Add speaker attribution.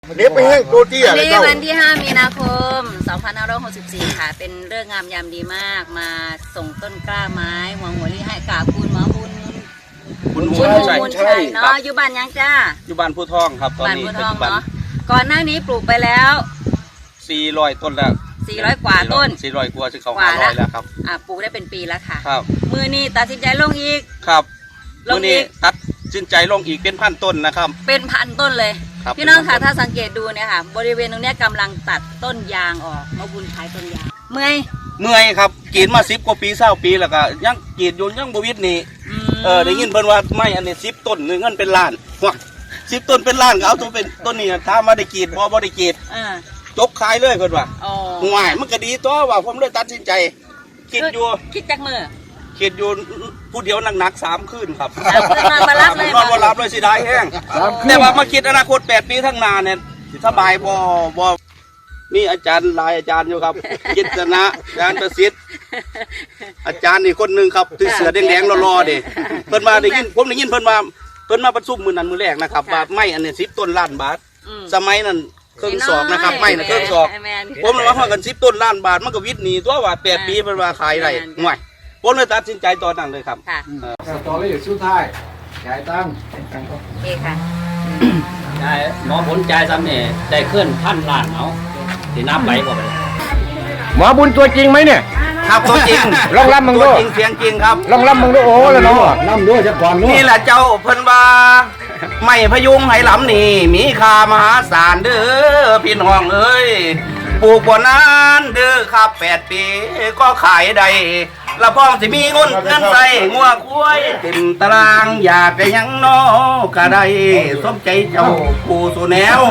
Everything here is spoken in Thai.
Speaker 1: เด็บไปแห้งโกเตี้ย
Speaker 2: วัน
Speaker 1: เลย
Speaker 2: นี้
Speaker 1: เจ้า
Speaker 2: วันที่ 5 มีนาคม 2564 ค่ะ เป็นเรื่องงามยามดีมาก มาส่งต้นกล้าไม้หวังหัวลี่ให้กับคุณหมอบุญ
Speaker 3: คุณ
Speaker 2: คุณ
Speaker 3: ชัย
Speaker 2: บุญชัยเนาะอยู่บ้านยังจ้า
Speaker 3: อยู่บ้านผู้ทองครับตอน
Speaker 2: บ้าน
Speaker 3: นี้
Speaker 2: บัว
Speaker 3: ปั
Speaker 2: ท
Speaker 3: จ
Speaker 2: อง
Speaker 3: จุบัน
Speaker 2: เนาะก่อนหน้านี้ปลูกไปแล้ว
Speaker 3: 400 ต้นแล้ว
Speaker 2: 400 กว่าต้น
Speaker 3: 400 กว่าจะเข้าก
Speaker 2: ว่าแล้ว
Speaker 3: 500แล้วครับ
Speaker 2: ปลูกได้เป็นปีแล้วค่ะ
Speaker 3: ครับ
Speaker 2: มือนี้ตัดสินใจลงอีก
Speaker 3: ครับ
Speaker 2: ลง
Speaker 3: วันนี้
Speaker 2: อีก
Speaker 3: ตัดสินใจลงอีกเป็นพันต้นนะครับ
Speaker 2: เป็นพันต้นเลย
Speaker 3: ครับ
Speaker 2: พี่น้องค่ะ
Speaker 3: เป็นพันต้น
Speaker 2: ถ้าสังเกตดูเนี่ยค่ะ บริเวณตรงเนี้ยกำลังตัดต้นยางออกมาบุญขายต้นยางเมื่อย
Speaker 3: เมื่อยครับกรีดมา10 กว่าปี20 ปีแล้วก็ยังกรีดอยู่ยังบ่วิดนี่ ได้ยินเพิ่นว่าไม่อันนี้10 ต้นเงินเป็นล้านว้า10 ต้นเป็นล้านก็เอาตัวเป็นต้นนี้ถ้ามาได้กรีดบ่ได้กรีด
Speaker 2: อ่า
Speaker 3: จกขายเลยเพิ่นว่า
Speaker 2: อ๋อ
Speaker 3: ห่วยมันก็ดีตัวว่าผมเลยตัดสินใจคิดอยู่
Speaker 2: คิดจากมือ
Speaker 3: คิดอยู่ผู้เดียวหนักๆ3 คืนครับ
Speaker 2: นอนมารับเลย
Speaker 3: นอนบ่หลับเลยสิได้แห้งแต่ว่ามาคิดอนาคต8 ปีข้างหน้าเนี่ยสิสบายบ่มีอาจารย์หลายอาจารย์อยู่ครับ กิตนะอาจารย์ประสิทธิ์อาจารย์นี่คนหนึงครับที่เสือแดงๆรอๆดิเพิ่นมาได้ยินผมได้ยินเพิ่นมาประชุมมื้อนั้นมื้อแรกนะครับว่าไม้อันนี้10 ต้นล้านบาท สมัยนั้นเครื่องศอกนะครับไม้น่ะเครื่องศอก ผมเลยว่าห้องกัน10 ต้นล้านบาทมันก็วิทย์หนีตัวว่า8 ปีเป็นว่าขายได้ห่วยผมเลยตัดสินใจตอนนั้นเลยครับ
Speaker 2: ค่ะ
Speaker 4: สตอรี่สุดท้ายจ่ายตังค์
Speaker 2: โอเคค่ะ
Speaker 5: ได้หมอผลใจซ้ำเนี่ยได้ขึ้นพันล้านเอาที่นับไปบ่ไป
Speaker 4: หมอบุญตัวจริงไหมเนี่ย
Speaker 3: ครับตัวจริง
Speaker 4: ลองรับมึงดู
Speaker 3: ตัวจริงเสียงจริงครับ
Speaker 4: ลองรับมึงดูโอ้แล้วเนาะรับด้วยจะก่อน
Speaker 3: นี่แหละเจ้าเพิ่นว่าไม่พยุงให้หลำนี่มีค่ามหาศาลเด้อพี่น้องเอ้ยปลูกบ่นานเด้อครับ8 ปีก็ขายได้ละพ้องสิมีเงินใส่งัวควายเต็มตารางอยากได้หยังน้อก็ได้สมใจเจ้าผู้สู่แนว